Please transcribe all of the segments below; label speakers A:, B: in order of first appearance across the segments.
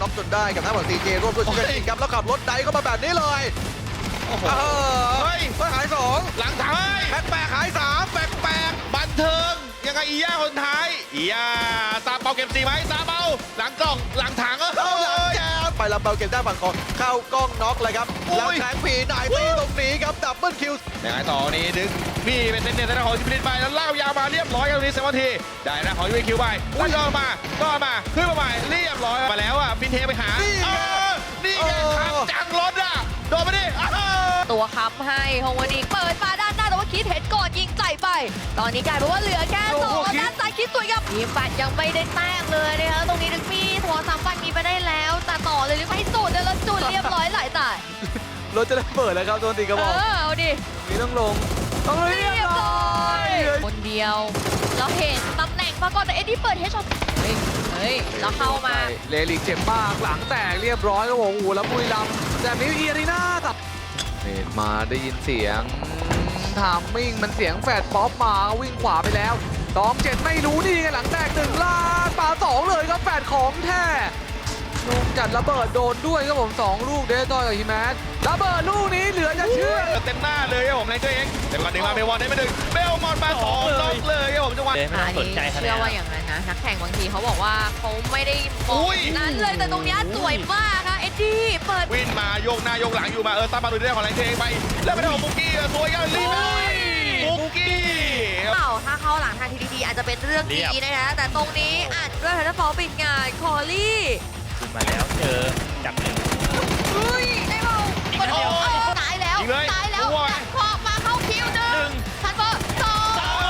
A: น็อกจนได้กับทางฝั่งซีเจร่วมด้วยช่วยกันยิงครับแล้วขับรถไดเข้ามาแบบนี้เลย
B: โอ้โห
A: เฮ้ยหาย2
B: หลังถัง
A: แปลกๆหาย3แปลก
B: บันเทิงยังไงอีย่าคนท้ายอีย่าตาเปาเก็บสีไหมตาเปาหลังกล่องหลังถัง
A: เข้าหลังแจมไปลำเบาเก็บได้ฝั่งของเข้ากล้องน็อกเลยครับแล้วแทงผีนายตีตรงนี้ครับดับเบิลคิว
B: ยังไงต่อนี้ดึงนี่เป็นเน้นๆทางของจิบลินไปแล้วเล่ายาวมาเรียบร้อยกันตรงนี้เซวันทีได้นะของยูเอคิวไปอุ้ยก็มาขึ้นมาใหม่เรียบร้อยมาแล้วอ่ะฟินเทไปหานี่ไงครับจังรถอ่ะโดนไปดิ
C: ตัวค้ำให้ฮงวดีเปิดมาด้านหน้าแต่ว่าคิดเห็นก่อนยิงใส่ไป ตอนนี้กลายเป็นว่าเหลือแค่สองด้านซ้ายคิดสวยครับทีมปัดยังไม่ได้แต้มเลยนะคะตรงนี้ดึงมีทัวร์ซ้ำปัดมีไปได้แล้วแต่ต่อเลยหรือไม่สุดเดี๋ยวเราจุดเรียบร้อยหลายตาย
A: รถจะได้เปิดแล้วครับโดนตีกระบอก
C: เอาดิ
A: นี่ต้องลงเรียบร้อย
C: คนเดียวเราเห็นตำแหน่งมาก่อนแต่เอ็ดดี้เปิดเฮดช็อตเฮ้ยแล้วเข้ามา
A: เลลิกเจ็บมากหลังแตกเรียบร้อยครับผมโอ้โหแล้วบุรีรัมย์แบบนี้อีอารีนาตัดนี่มาได้ยินเสียงทามมิ่งมันเสียงแฟดป๊อปมาวิ่งขวาไปแล้วตอง7ไม่รู้นี่ไงหลังแตก1ล้านป่า2เลยครับแฟดของแท้ลงจัดระเบิดโดนด้วยครับผม2ลูกเดทอยกับฮิแมนระเบิดลูกนี้เหลือจะเชื่อ
B: เต็มหน้าเลยครับผมในตัวเองแต่ก่อนดึงมาเบลวอนได้ไม่ดึงเบลมอนมา2น็อกเลยครับผมจังหวะ
D: ไม่ต้องสนใจคะแน
C: เชื่อน ว่าอย่างนั้นนะนักแข่งบางทีเขาบอกว่าเขาไม่ได้มองนั้นเลยแต่ตรงนี้สวยมากค่ะเอ็ดดี้เปิด
B: วิ่งมาโยกหน้าโยกหลังอยู่มาตามมาดูได้ของแรงเทงไปแล้วไปได้ของบุกกี้สวยกันรีบบุกกี้
C: ถ้าเข้าหลังทางทีดีอาจจะเป็นเรื่องดีนะคะแต่ตรงนี้อาจด้วยทันฟอลปิดงานคอลี่
D: ขึ้นมาแล้วเจอจับหนึ่ง
C: เฮ้ยได้เปล่าตายแล้วดักคอมาเข้าคิวหนึ่งทันฟอลสอง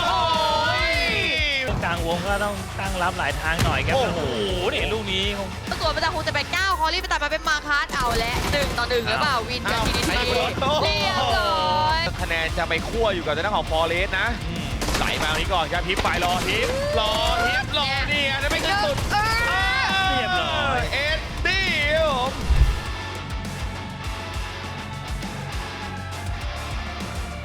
D: ตรงกลางวงก็ต้องตั้งรับหลายทางหน่อยครับโอ้โหนี่ลูกนี้คง
C: ตัวประจำคงจะเป็น9คอลี่ไปตัดมาเป็นมาคาร์ดเอาและ1-1หรือเปล่าวินกับทีดีเรียบร้อย
B: คะแนนจะไปคั่วอยู่กับทางด้านของฟอเรสนะไหลมาตรงนี้ก่อนครับฮิปไปรอฮิปนี่ไงได้ไม่ขึ้นสุด